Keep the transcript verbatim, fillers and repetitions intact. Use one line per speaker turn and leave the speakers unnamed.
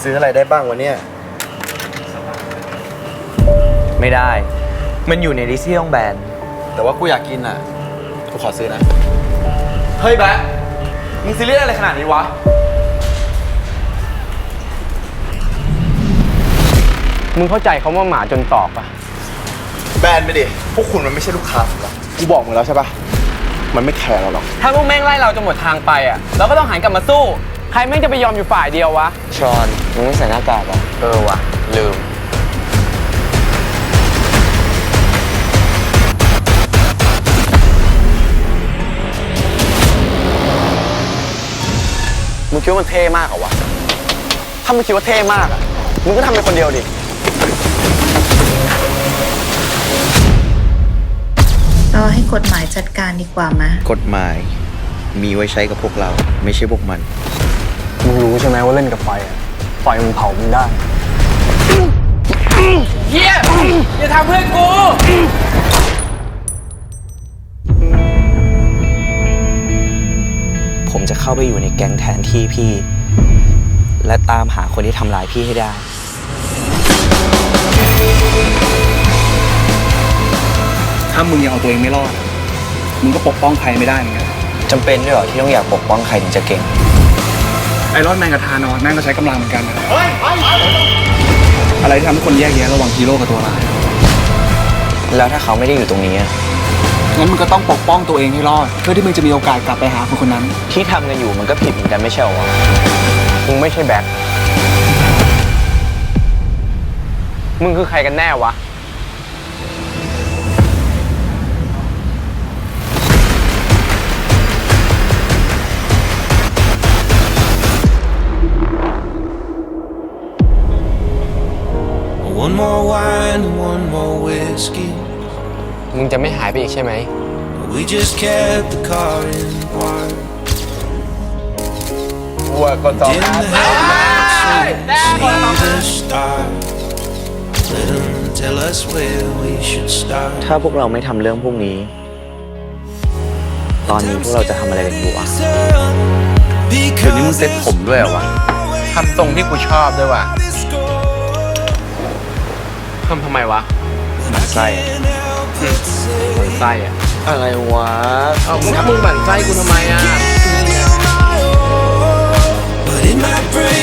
ซื้ออะไรได้บ้างวะเนี่ย
ไม่ได้มันอยู่ในลิสต์ที่ต้องแบน
แต่ว่ากูอยากกินอ่ะกูขอซื้อนะ
เฮ้ยแบ๊ะมึงซีเรียสอะไรขนาดนี้วะมึงเข้าใจเขาว่าหมาจนตอกปะ
แบนไปดิพวกคุณมันไม่ใช่ลูกค้าผมหรอกกูบอกมึงแล้วใช่ปะมันไม่แคร์เราหรอก
ถ้าพวกแม่งไล่เราจนหมดทางไปอ่ะเราก็ต้องหันกลับมาสู้ใครแม่งจะไปยอมอยู่ฝ่ายเดียววะ
ชอนมึงไม่ใส่หน้ากากอ่ะ
เออวะลืมมึงคิดว่ามันเท่มากเหรอวะถ้ามึงคิดว่าเท่มากอ่ะมึงก็ทำเป็นคนเดียวดิ
รอให้กฎหมายจัดการดีกว่ามั้ย
กฎหมายมีไว้ใช้กับพวกเราไม่ใช่พวกมัน
มึงรู้ใช่ไหมว่าเล่นกับไฟอ่ะไฟมันเผามึงได้
เฮียอย่าทำเพื่อนกู
ผมจะเข้าไปอยู่ในแก๊งแทนที่พี่และตามหาคนที่ทำร้ายพี่ให้ได้
ถ้ามึงยังเอาตัวเองไม่รอดมึงก็ปกป้องใครไม่ได้เหมือนกัน
จำเป็นด้วยเหรอที่ต้องอยากปกป้องใครถึงจะเก่ง
ไอรอนแมนกับธานอสแม่งก็ใช้กำลังเหมือนกันนะอะไรที่ทำให้คนแยกแยะระหว่างฮีโร่กับตัวร้าย
แล้วถ้าเขาไม่ได้อยู่ตรงนี้
งั้นมึงก็ต้องปกป้องตัวเองให้รอดเพื่อที่มึงจะมีโอกาสกลับไปหาคนคนนั้น
ที่ทำกันอยู่มันก็ผิดเหมือนกันไม่ใช่หรอ
มึงไม่ใช่แบ็คมึงคือใครกันแน่วะ
One more wine and one more whiskey
มึงจะไม่หายไปอีกใช่ไหม
We just kept the car in park
วัวก็ต้อง
Didn't have much to see the start Let them tell us where we should start
ถ้าพวกเราไม่ทำเรื่องพวกนี้ตอนนี้พวกเราจะทำอะไรกันอยู่วะ
เดี๋ยวนี้มึงเซ็ตผมด้วยเหรอวะทำทรงที่กูชอบด้วยวะทำทำไมวะหมั่นไส้หมั่นไส้อะ
อะไรวะ
เอ้ามึงถ้ามึงหมั่นไส้กูทำไมอะ